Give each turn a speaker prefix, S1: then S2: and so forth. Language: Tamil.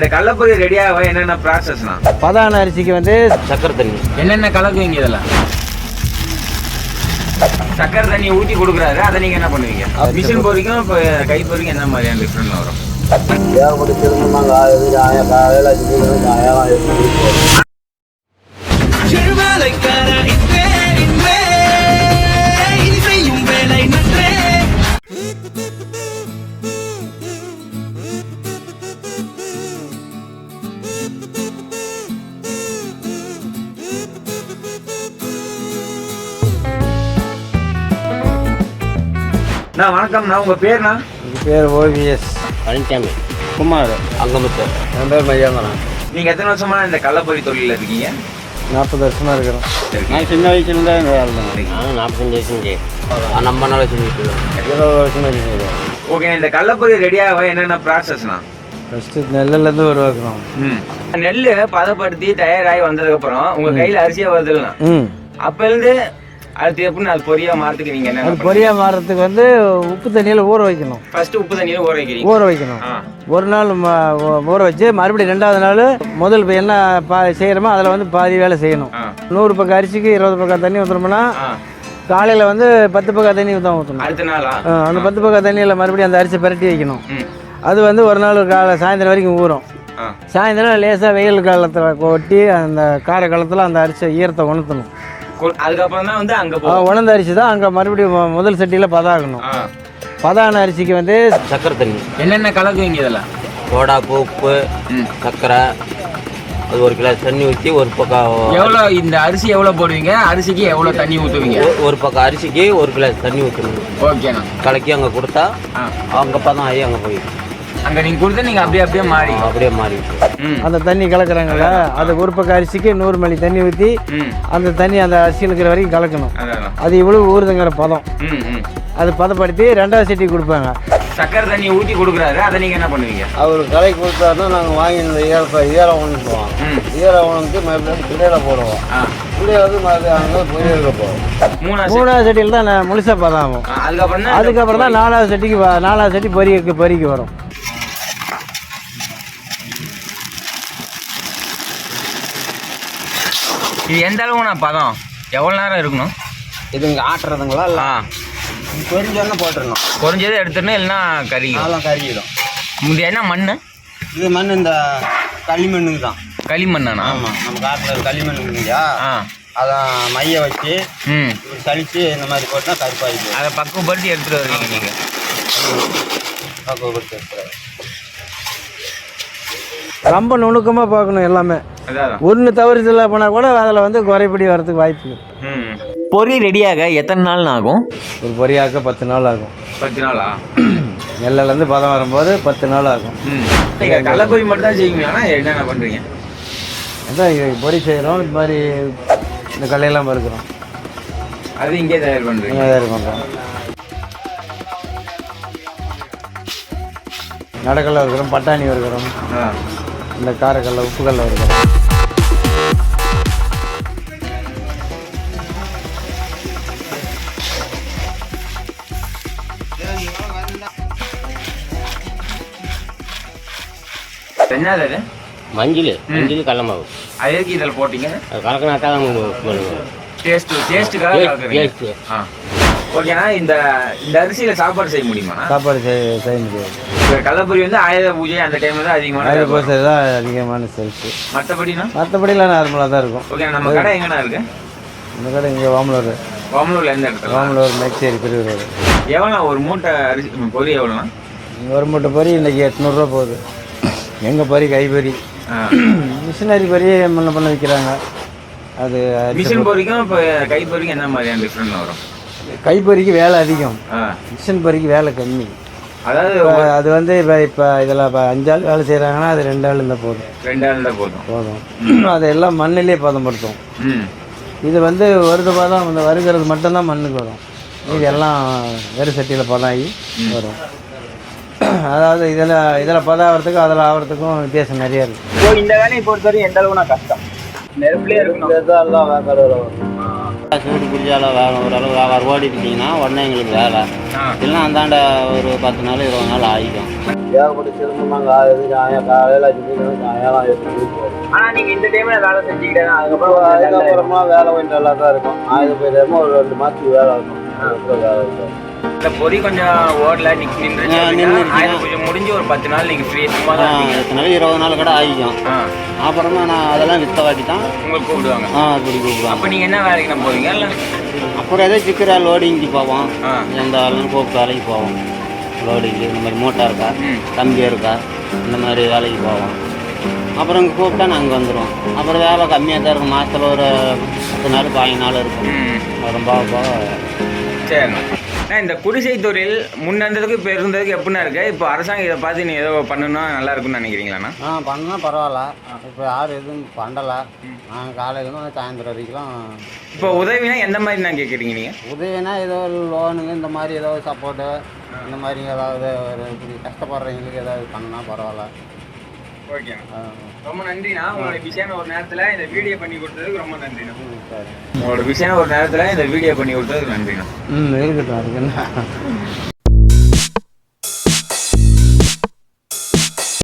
S1: இந்த கள்ளப்பொரி ரெடியாக என்னென்ன ப்ராசஸ்னா?
S2: பதான அரிசிக்கு வந்து
S3: சக்கரை தண்ணி
S1: என்னென்ன கலக்குவீங்க? இதெல்லாம் சக்கரை தண்ணி ஊற்றி கொடுக்குறாரு, அதை நீங்கள் என்ன பண்ணுவீங்க? மிஷின் பொரிக்கும் இப்போ கை பொரிக்கும் என்ன மாதிரியான டிஃப்ரெண்ட் வரும்? வணக்கம்ண்ணா, உங்கள் பேர்ண்ணா?
S2: எங்கள் பேர் ஓவிஎஸ்
S3: பழனிசாமி
S2: குமார்
S3: அங்கமுத்து.
S2: என் பேர் மையாங்கண்ணா.
S1: நீங்கள் எத்தனை வருஷமா இந்த கள்ளப்பொரி தொழிலில் இருக்கீங்க?
S2: 40 வருஷமாக இருக்கிறோம். நான் சின்ன வயசுலேருந்தே இந்த வேலை தான்.
S3: நானும் 45 வயசுங்க. நம்ம நாள் செஞ்சுட்டு
S2: 20 வருஷமாக இருக்கிறோம்.
S1: ஓகே, இந்த கள்ளப்பொரி ரெடியாக என்னென்ன ப்ராசஸ்ண்ணா?
S2: ஃபஸ்ட்டு நெல்லுலேருந்து உருவாக்குறோம்.
S1: நெல் பதப்படுத்தி தயாராகி வந்ததுக்கப்புறம் உங்கள் கையில் அரிசியாக வருதுல்லண்ணா, அப்போலேருந்து அடுத்து எப்படின்னு அது பொரியாக மாறதுக்கு நீங்கள் என்ன?
S2: அது பொரியாக மாறுறதுக்கு வந்து உப்பு தண்ணியில் ஊற வைக்கணும்.
S1: ஃபஸ்ட்டு உப்பு தண்ணியில் ஊற வைக்கிறீங்க?
S2: ஊற வைக்கணும். ஒரு நாள் ஊற வச்சு மறுபடியும் 2வது நாள் முதல் இப்போ என்ன செய்கிறோமோ அதில் வந்து பாதி வேலை செய்யணும். 100 பக்கம் அரிசிக்கு 20 பக்கம் தண்ணி ஊற்றுனோம்னா காலையில் வந்து 10 பக்கம் தண்ணி ஊற்றணும்.
S1: அடுத்த நாளா
S2: அந்த 10 பக்கம் தண்ணியில் மறுபடியும் அந்த அரிசி பரட்டி வைக்கணும். அது வந்து ஒரு நாள் சாயந்தரம் வரைக்கும் ஊறும். சாயந்தரம் லேசாக வெயில் காலத்தில் கொட்டி அந்த கார காலத்தில் அந்த அரிசி ஈரத்தை உணர்த்தணும்.
S1: அதுக்கப்புறம் தான் வந்து அங்கே
S2: உணர்ந்த அரிசி தான் அங்கே மறுபடியும் முதல் சட்டியில் பதாகணும். பதான அரிசிக்கு வந்து
S3: சக்கரை தண்ணி.
S1: என்னென்ன கலக்குவீங்க? இதெல்லாம்
S3: சோடா, உப்பு, சக்கரை, அது 1 கிளாஸ் தண்ணி ஊற்றி ஒரு பக்கம்.
S1: எவ்வளோ இந்த அரிசி எவ்வளோ போடுவீங்க? அரிசிக்கு எவ்வளோ தண்ணி ஊற்றுவீங்க?
S3: ஒரு பக்கம் அரிசிக்கு 1 கிளாஸ் தண்ணி ஊற்றணும்.
S1: ஓகேண்ணா.
S3: கலக்கி அங்கே கொடுத்தா அங்கே பதம் ஆகி அங்கே போய்
S1: அங்கே நீங்கள் கொடுத்தா நீங்கள் அப்படியே
S3: மாறி
S2: அந்த தண்ணி கலக்குறாங்கல்ல, அது ஒரு பக்கம் அரிசிக்கு 100 மணி தண்ணி ஊற்றி அந்த தண்ணி அந்த அரிசி இருக்கிற வரைக்கும் கலக்கணும். அது இவ்வளோ ஊறுதுங்கிற பதம். அது பதப்படுத்தி 2வது சட்டி கொடுப்பாங்க.
S1: சக்கரை தண்ணி ஊற்றி கொடுக்குறாரு, அதை நீங்கள் என்ன பண்ணுவீங்க?
S2: அவர் கலக்கி கொடுத்தாருன்னா நாங்கள் வாங்கி இந்த ஈரம் உணர்த்துவோம். ஈரம் உணர்ந்து மறுபடியும் பிள்ளையில போடுவோம். பிள்ளைய வந்து மறுபடியும் அங்கே பொரியலுக்கு போவோம். 3வது சட்டியில் தான் முழுசாக பதம் ஆகும். அதுக்கப்புறம் தான் 4வது சட்டிக்கு 4வது சட்டி பொரிக்கு வரும்.
S1: இது எந்த அளவுண்ணா பதம்? எவ்வளோ நேரம் இருக்கணும்
S2: இது இங்கே ஆட்டுறதுங்களா? இல்லை பொரிஞ்சோன்னா போட்டுடணும்.
S1: பொரிஞ்சதை எடுத்துடணும், இல்லைன்னா
S2: அதெல்லாம் கறிக்கிடும்.
S1: இது என்ன மண்?
S2: இது மண் இந்த களிமண்ணுக்கு தான்.
S1: களிமண்ணாண்ணா?
S2: ஆமாம், நம்ம காட்டில் களிமண்ணுக்கு இல்லையா, அதான் மைய வச்சு சளிச்சு இந்த மாதிரி போட்டால் கருப்பாயிடுச்சு.
S1: அதை பக்குவப்படுத்தி எடுத்துகிட்டு வருவீங்க நீங்கள்?
S2: பக்குவப்படுத்தி எடுத்துகிட்டு ரொம்ப நுணுக்கமாக பார்க்கணும். எல்லாமே ஒன்று தவறுதலாக போனால் கூட அதில் வந்து குறைபடி வரதுக்கு வாய்ப்பு.
S1: பொரி ரெடியாக எத்தனை நாள் ஆகும்?
S2: ஒரு பொரியாக்க 10 நாள் ஆகும்.
S1: 10 நாளா?
S2: நெல்லிலேருந்து பதம் வரும்போது 10 நாள் ஆகும்.
S1: நீங்கள் கள்ளப்பொரி மட்டும் தான் செய்வீங்க, ஆனால் என்னென்ன பண்ணுறீங்க?
S2: அதான் இது பொரி செய்கிறோம். இது மாதிரி இந்த கல்லையெல்லாம் பருக்கிறோம்.
S1: அது இங்கே தயார் பண்ணுறீங்க?
S2: தயார் பண்ணுறோம். நடக்கல்ல இருக்கிறோம், பட்டாணி இருக்கிறோம், இந்த காரக்கல்ல உப்புக்கல்ல இருக்கிறோம்.
S1: என்னது அது?
S3: மஞ்சள் கடல மாவு.
S1: அது எதுக்கு இதில் போட்டிங்க?
S3: அது கலக்கினா தான் பண்ணுவோம்.
S1: டேஸ்ட்டுக்காக கலக்குறீங்க. ஓகேண்ணா, இந்த அரிசியில் சாப்பாடு செய்ய முடியுமா?
S2: சாப்பாடு செய்ய முடியாது.
S1: இப்போ கள்ளப்பொரி வந்து ஆயுத பூஜை அந்த டைமில் தான் அதிகமான
S2: பூஜை தான் அதிகமான செல்ஃபு.
S1: மற்றபடிலாம்
S2: நார்மலாக தான் இருக்கும்.
S1: ஓகே, நம்ம கடை எங்கண்ணா இருக்குது?
S2: இந்த கடை இங்கே வாமலூர்.
S1: வாமலூரில் எந்த இடத்துல?
S2: வாமலூர் மேச்சேரி பிரிவு.
S1: எவ்வளோ ஒரு மூட்டை அரிசி பொரி எவ்வளோண்ணா?
S2: ஒரு மூட்டை பொரி இன்றைக்கி 800 போகுது. எங்கள் பொரி கைப்பொரி. மிஷினரி பொரி பண்ண விற்கிறாங்க. அது
S1: மிஷின் பொரிக்கும் இப்போ கைப்பொரிக்கும் என்ன மாதிரியான டிஃப்ரெண்ட் வரும்?
S2: கைப்பொரிக்கு வேலை அதிகம், மிஷின் பொரிக்கு வேலை கம்மி.
S1: அதாவது
S2: அது வந்து இப்போ இதில் 5 ஆள் வேலை செய்கிறாங்கன்னா அது 2 ஆள் இருந்தால் போதும்.
S1: 2 ஆள் இருந்தால்
S2: போதும். அதெல்லாம் மண்ணிலே பதப்படுத்தும். இது வந்து வருது பதம் இந்த வருகிறது மட்டும்தான் மண்ணுக்கு வரும். இது எல்லாம் வெறு சட்டியில் பதம் ஆகி வரும். அதாவது இதில் பதம் ஆகிறதுக்கும் அதில் ஆகிறதுக்கும் வித்தியாசம் நிறையா இருக்குது.
S1: இந்த வேலையை பொறுத்தவரைக்கும் எந்த அளவுனா கஷ்டம்? நெருப்புலேயே இருக்கணும்.
S2: எல்லாம்
S3: சூடு பிடிச்சால ஓரளவு வியாபாரம் ஓடிட்டீங்கன்னா உடனே எங்களுக்கு வேலை. இல்லைன்னா அந்தாண்ட ஒரு 10 நாள் 20 நாள் ஆகிக்கும்.
S2: ஏகப்பட்ட சிரமம் நாங்கள் காலையில் 5 மணிக்கு சாயங்காலம் 8 மணிக்கு போகிறோம்.
S1: ஆனால் நீங்கள் இந்த டைமில் வேலை செஞ்சுக்கிட்டே
S2: அதுக்கப்புறமா வேலை கொஞ்சம் நல்லா தான் இருக்கும். ஆயுத போயிடாம ஒரு 2 மாதத்துக்கு வேலை இருக்கும். வேலை இருக்கும்.
S1: இந்த பொறி கொஞ்சம் ஓடல நின்று கொஞ்சம் முடிஞ்சு ஒரு 10 நாள் நீங்கள் ஃப்ரீ சும்மா தான்
S3: 10 நாள் 20 நாள் கூட ஆகிக்கும். அப்புறமா நான் அதெல்லாம் வித்த வாட்டி தான்
S1: உங்களுக்கு கூப்பிடுவாங்க.
S3: அப்படி கூப்பிடுவாங்க.
S1: அப்போ நீங்கள் என்ன வேலைக்கு நம்ம போவீங்க? இல்லை
S3: அப்புறம் ஏதோ சிக்கிற லோடிங்க்கு போவோம். எந்த ஆளும் கூப்பிட்டு வேலைக்கு போவோம். லோடிங்கு இந்த மாதிரி மூட்டை இருக்கா, கம்பி இருக்கா, இந்த மாதிரி வேலைக்கு போவோம். அப்புறம் இங்கே கூப்பிட்டா நாங்கள் வந்துடுவோம். அப்புறம் வேலை கம்மியாக தான் இருக்கும். மாதத்தில் ஒரு 10 நாள் 15 நாள் இருக்கும். ரொம்ப
S1: சரிண்ணா. இந்த குடிசை தொழில் முன்னேறதுக்கு இப்போ இருந்ததுக்கு எப்படின்னா இருக்கு? இப்போ அரசாங்கம் இதை பார்த்து நீ ஏதோ பண்ணணும்னா நல்லா இருக்கும்னு நினைக்கிறீங்களாண்ணா?
S2: பண்ணா பரவாயில்ல. இப்போ யாரும் எதுவும் பண்ணலை. நாங்கள் காலையிலேருந்து சாயந்தரம் வரைக்கும்.
S1: இப்போ உதவினா எந்த மாதிரி நான் கேட்குறீங்க நீங்கள்?
S2: உதவினா ஏதோ லோனுங்க இந்த மாதிரி ஏதோ சப்போர்ட்டு இந்த மாதிரி ஏதாவது ஒரு இப்படி கஷ்டப்படுறவங்களுக்கு ஏதாவது பண்ணால் பரவாயில்ல.
S1: ஓகேண்ணா, ரொம்ப நன்றிண்ணா. உங்களோட விஷயம் ஒரு நேரத்தில் இந்த வீடியோ பண்ணி கொடுத்ததுக்கு ரொம்ப நன்றிண்ணா.
S2: சரி,
S1: உங்களோட விஷயம் ஒரு நேரத்தில் இந்த வீடியோ பண்ணி கொடுத்ததுக்கு நன்றிண்ணா.
S2: இருக்கட்டும் இருக்குண்ணா.